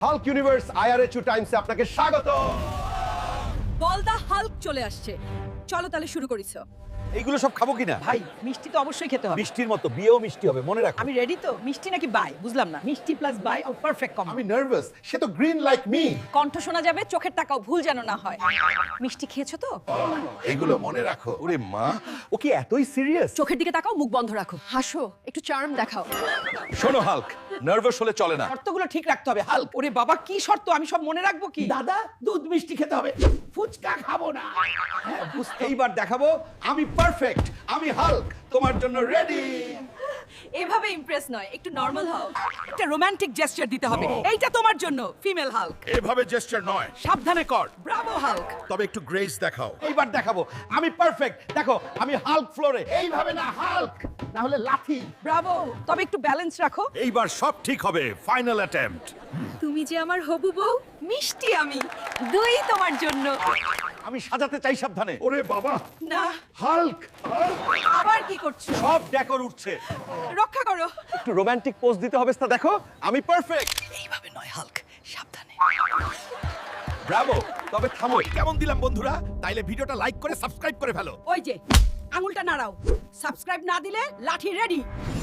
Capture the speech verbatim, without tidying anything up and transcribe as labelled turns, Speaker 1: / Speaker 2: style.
Speaker 1: Hulk universe আইআরএচু টাইমসে আপনাকে স্বাগত।
Speaker 2: বলদা হাল্ক চলে আসছে, চলো তাহলে শুরু করিস।
Speaker 1: এইগুলো সব খাবো কিনা?
Speaker 3: ভাই মিষ্টি তো অবশ্যই খেতে হবে।
Speaker 1: মিষ্টির মতো বিয়েও মিষ্টি হবে, মনে রাখো।
Speaker 3: আমি রেডি তো। মিষ্টি নাকি বাই বুঝলাম না। মিষ্টি প্লাস বাই ও পারফেক্ট কম্বো।
Speaker 1: আমি নার্ভাস, সে তো গ্রিন লাইক মি।
Speaker 2: কণ্ঠ শোনা যাবে, চোখের তাকাও ভুল যেন না হয়। মিষ্টি খেয়েছো তো?
Speaker 1: এগুলো মনে রাখো। ওরে মা, ও কি এতই সিরিয়াস?
Speaker 2: চোখের দিকে তাকাও, মুখ বন্ধ রাখো, হাসো, একটু চার্ম দেখাও।
Speaker 1: শোনো হাল্ক, নার্ভাস হলে চলে না।
Speaker 3: শর্তগুলো ঠিক রাখতে হবে। হাল্ক, ওরে বাবা কি শর্ত, আমি সব মনে রাখবো কি? দাদা দুধ মিষ্টি খেতে হবে, ফুচকা খাবো না।
Speaker 1: হ্যাঁ, বুঝতে এইবার দেখাবো আমি পারফেক্ট, আমি হাল্ক, তোমার জন্য রেডি।
Speaker 2: এভাবে ইমপ্রেস নয়, একটু নরমাল হও।
Speaker 3: একটা রোমান্টিক জেস্চার দিতে হবে। এইটা তোমার জন্য ফিমেল হাল্ক।
Speaker 4: এভাবে জেস্টার নয়,
Speaker 3: সাবধানে কর। Bravo Hulk.
Speaker 4: তবে একটু গ্রেস দেখাও।
Speaker 1: এইবার দেখাবো আমি পারফেক্ট, দেখো আমি হাল্ক ফ্লোরে। এইভাবে না হাল্ক, না হলে লাথি।
Speaker 3: ব্রাভো, তবে একটু ব্যালেন্স রাখো।
Speaker 4: এইবার সব ঠিক হবে। Final attempt.
Speaker 2: তুমি যে আমার হবু বউ, মিষ্টি আমি, দুই তোমার জন্য।
Speaker 1: আমি সাজাতে চাই, সাবধানে।
Speaker 4: ওরে বাবা,
Speaker 2: না,
Speaker 1: হাল্ক,
Speaker 2: আবার কি করছো?
Speaker 1: সব ডেকোর উঠছে।
Speaker 2: রক্ষা করো।
Speaker 1: একটু রোমান্টিক পোজ দিতে হবে, তা দেখো আমি পারফেক্ট।
Speaker 3: এইভাবে নয় হাল্ক, সাবধানে।
Speaker 1: ব্রাভো, তবে থামো।
Speaker 4: কেমন দিলাম বন্ধুরা? তাইলে ভিডিওটা লাইক করে সাবস্ক্রাইব করে ফেলো।
Speaker 2: ওই যে আঙুলটা নাড়াও। সাবস্ক্রাইব না দিলে লাঠি রেডি।